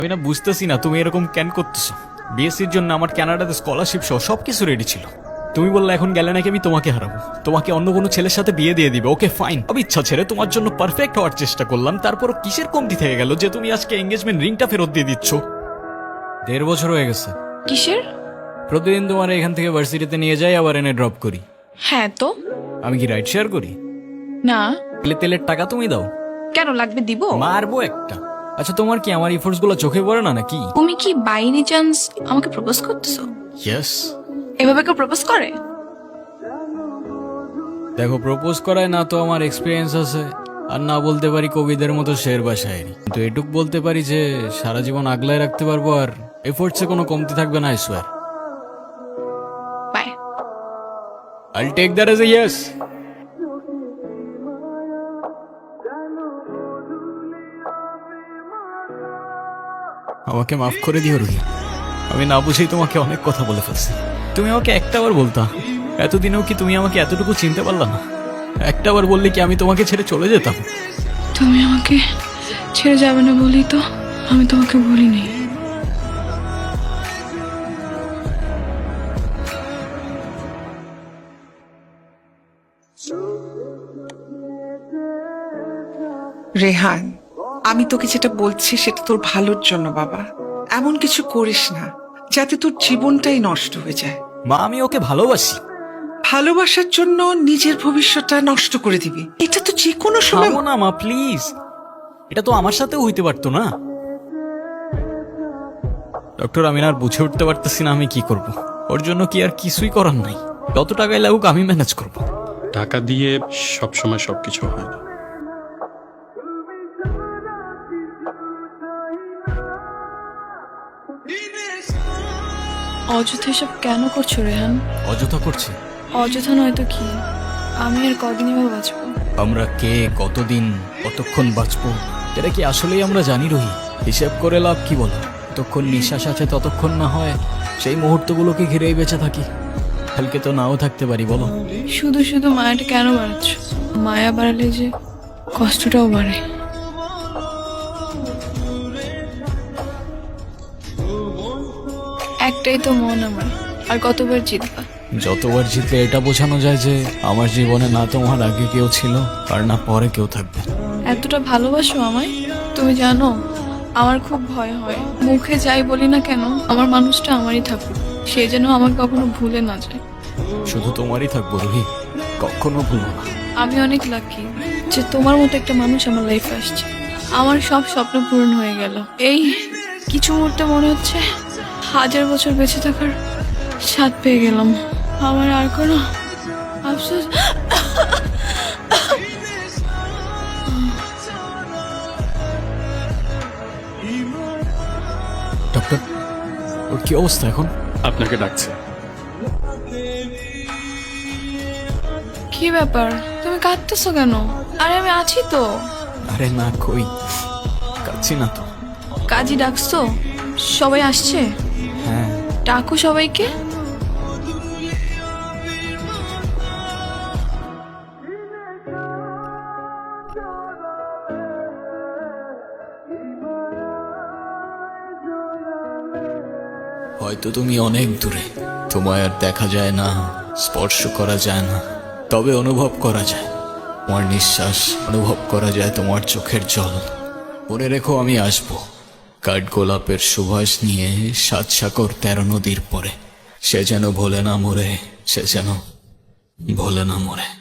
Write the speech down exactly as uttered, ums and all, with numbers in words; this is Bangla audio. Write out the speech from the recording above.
আমি না বুঝতেছি না তুমি এরকম কেন করতেছো। বিএসসির জন্য আমার কানাডাতে স্কলারশিপ সহ সবকিছু রেডি ছিল। তুমি বললে এখন গেলে নাকি আমি তোমাকে হারাবো, তোমাকে অন্য কোনো ছেলের সাথে বিয়ে দিয়ে দিবে। ওকে ফাইন, আমি ইচ্ছা ছেড়ে তোমার জন্য পারফেক্ট হওয়ার চেষ্টা করলাম, তারপরও কিসের কমতি থেকে গেল যে তুমি আজকে এঙ্গেজমেন্ট রিংটা ফেরত দিয়ে দিচ্ছ। দেড় বছর হয়ে গেছে। কিসের? প্রতিদিন তোমার এখান থেকে ভার্সিটিতে নিয়ে যাই, আবার এনে ড্রপ করি। হ্যাঁ তো। আমি কি রাইড শেয়ার করি? না। তেলে তেলের টাকা তুমি দাও। কেন লাগবে? দিব। মারবো একটা। আচ্ছা তোমার কি আমার ইফোর্টস গুলো চোখে পড়ে না নাকি? তুমি কি বাই এনি চান্স আমাকে প্রপোজ করতেছো? ইয়েস। এভাবে কেউ প্রপোজ করে? দেখো, প্রপোজ করায় না তো আমার এক্সপিরিয়েন্স আছে, আর না বলতে পারি কবিদের মতো শের বা শায়েরি, কিন্তু এটুক বলতে পারি যে সারা জীবন আগলায় রাখতে পারবো, আর এফোর্টসে কোনো কমতি থাকবে না। I swear. Bye. I'll take that as a yes. আমাকে মাফ করে দিও রুহি, আমি না বুঝেই তোমাকে অনেক কথা বলে ফেলছি। তুমি আমাকে একটাবার বলতা, এতদিনেও কি তুমি আমাকে এতটুকু চিনতে পারলা না? একটাবার বললে কি আমি তোমাকে ছেড়ে চলে যেতাম? তুমি আমাকে ছেড়ে যাবে না বলি তো আমি তোমাকে বলিনি। রেহান, আমি তোকে যেটা বলছি সেটা তোর ভালোর জন্য বাবা। এমন কিছু করিস না যাতে তোর জীবনটাই নষ্ট হয়ে যায়। মা, আমি ওকে ভালোবাসি। ভালোবাসার জন্য নিজের ভবিষ্যৎটা নষ্ট করে দিবি, এটা তো যে কোনো সময়। থামো না মা, প্লিজ। এটা তো আমার সাথেও হইতে পারতো না। ডক্টর, আমি না আর বুঝে উঠতে পারতেছি না আমি কি করব। ওর জন্য কি আর কিছুই করার নাই? যত টাকায় লাগুক আমি ম্যানেজ করব। টাকা দিয়ে সবসময় সবকিছু হয় না। অযথা এসব কেন করছো রেহান? অযথা করছে? অযথা নয়তো কি? আমি আর কদিন এভাবে বাঁচবো? আমরা কে, কতদিন, কতক্ষণ বাঁচবো এটা কি আসলেই আমরা জানি রহি? হিসেব করে লাভ কি বলো? যতক্ষণ নিঃশ্বাস আছে ততক্ষণ না হয় সেই মুহূর্তগুলোকে ঘিরেই বেঁচে থাকি। কালকে তো নাও থাকতে পারি, বলো। শুধু শুধু মায়াটা কেন বাড়াচ্ছ? মায়া বাড়ালে যে কষ্টটাও বাড়ে। একটাই তো মন আমার, আর কতবার জিতবা? যতবার জিতলে এটা বোঝানো যায় যে আমার জীবনে না তোমার আগে কেউ ছিল আর না পরে কেউ থাকবে। এতটা ভালোবাসো আমায়? তুমি জানো আমার খুব ভয় হয়, মুখে যাই বলি না কেন আমার মানুষটা আমারই থাকুক, সে যেন আমাকে কখনো ভুলে না যায়। শুধু তোমারই থাকবো রুহি, কখনো ভুলবো না। আমি অনেক লাকি যে তোমার মতো একটা মানুষ আমার লাইফে আসছে। আমার সব স্বপ্ন পূরণ হয়ে গেল। এই কিছু মুহূর্তে মনে হচ্ছে হাজার বছর বেঁচে থাকার স্বাদ পেয়ে গেলাম। আমার আর কোনো আফসোস। ডক্টর, ওর কি অবস্থা এখন? আপনাকে ডাকছে। কি ব্যাপার, তুমি কাঁদতেছো কেন? আরে আমি আছি তো। আরে না, কই কাচ্ছি না তো। কাজী ডাকছো? সবাই আসছে? হ্যাঁ। ডাকো সবাইকে। হয়তো তুমি অনেক দূরে, তোমায় আর দেখা যায় না, স্পর্শ করা যায় না, তবে অনুভব করা যায় তোমার নিঃশ্বাস, অনুভব করা যায় তোমার চোখের জল। মনে রেখো, আমি আসবো কাঠ গোলাপের সুবাস নিয়ে সাত সাগর তেরো নদীর পরে। সে যেন ভোলে না মরে, সে যেন ভোলে না মরে।